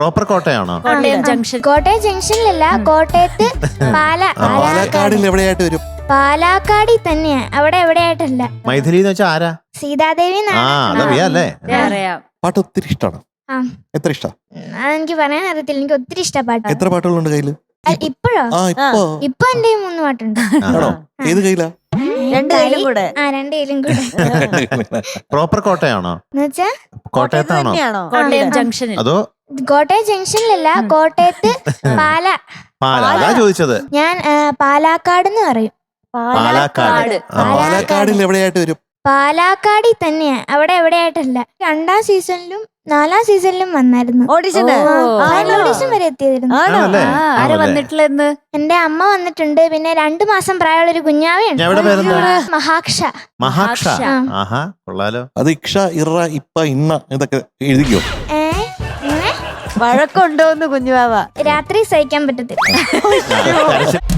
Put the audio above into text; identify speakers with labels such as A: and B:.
A: Proper കോട്ടയാണോ?
B: Kottayam junction.
C: Kottayam ജംഗ്ഷനിലല്ല, കോട്ടയത്ത്
D: പാലക്കാടിൽ എവിടെയായിട്ട് വരും?
C: പാലാക്കാടി തന്നെയാ, അവിടെ എവിടെയായിട്ടല്ല.
A: മൈഥിലി എന്ന് വെച്ചാൽ ആരാ?
C: സീതാദേവി
A: അതറിയാല്ലേ?
B: അറിയാം.
D: പാട്ട് ഒത്തിരി ഇഷ്ടമാണ്.
C: ആ.
D: എത്ര ഇഷ്ട?
C: അതെനിക്ക് പറയാൻ അറിയത്തില്ല, എനിക്ക് ഒത്തിരി ഇഷ്ടപ്പാട്ട്.
D: എത്ര പാട്ടുകളുണ്ട് കയ്യില്?
C: ഇപ്പോഴോ? ഇപ്പൊ എന്റെ 3 പാട്ടുണ്ട്.
D: ആണോ? ഏത് കയ്യിലാ?
B: 2 കയ്യിലും കൂടെ.
C: 2 കയ്യിലും കൂടെ.
A: പ്രോപ്പർ കോട്ടയാണോ?
C: എന്നുവെച്ചാ
A: കോട്ടയത്താണോ?
B: കോട്ടയം ജംഗ്ഷനിൽ.
A: അതോ
C: കോട്ടയം ജംഗ്ഷനിലല്ല, കോട്ടയത്ത്
A: അതാ ചോദിച്ചത്.
C: ഞാൻ പാലാക്കാട് എന്ന് പറയും.
A: പാലക്കാട്.
D: പാലക്കാടിൽ എവിടെയായിട്ട് വരും?
C: പാലാക്കാടി തന്നെയാ, അവിടെ എവിടെയായിട്ടല്ല. 2ാം സീസണിലും 4ാം സീസണിലും വന്നായിരുന്നു.
B: ഓഡിഷൻ
C: വരെ എത്തിയതായിരുന്നു.
A: ആണല്ലേ?
B: ആര് വന്നിട്ടില്ലെന്ന്?
C: എന്റെ അമ്മ വന്നിട്ടുണ്ട്, പിന്നെ 2 മാസം പ്രായമുള്ള ഒരു കുഞ്ഞാവയുണ്ട്.
A: എവിടെ പേരെന്താ?
C: മഹാക്ഷ.
A: മഹാക്ഷ. ആഹാ, കൊള്ളാലോ.
D: അത് ഇക്ഷ, ഇറ, ഇപ്പ, ഇന്ന ഇതൊക്കെ എഴുതിക്കോ.
C: ഇങ്ങനെ
B: വഴക്കുണ്ടോന്ന് കുഞ്ഞുവാവ?
C: രാത്രി സഹിക്കാൻ പറ്റത്തില്ല.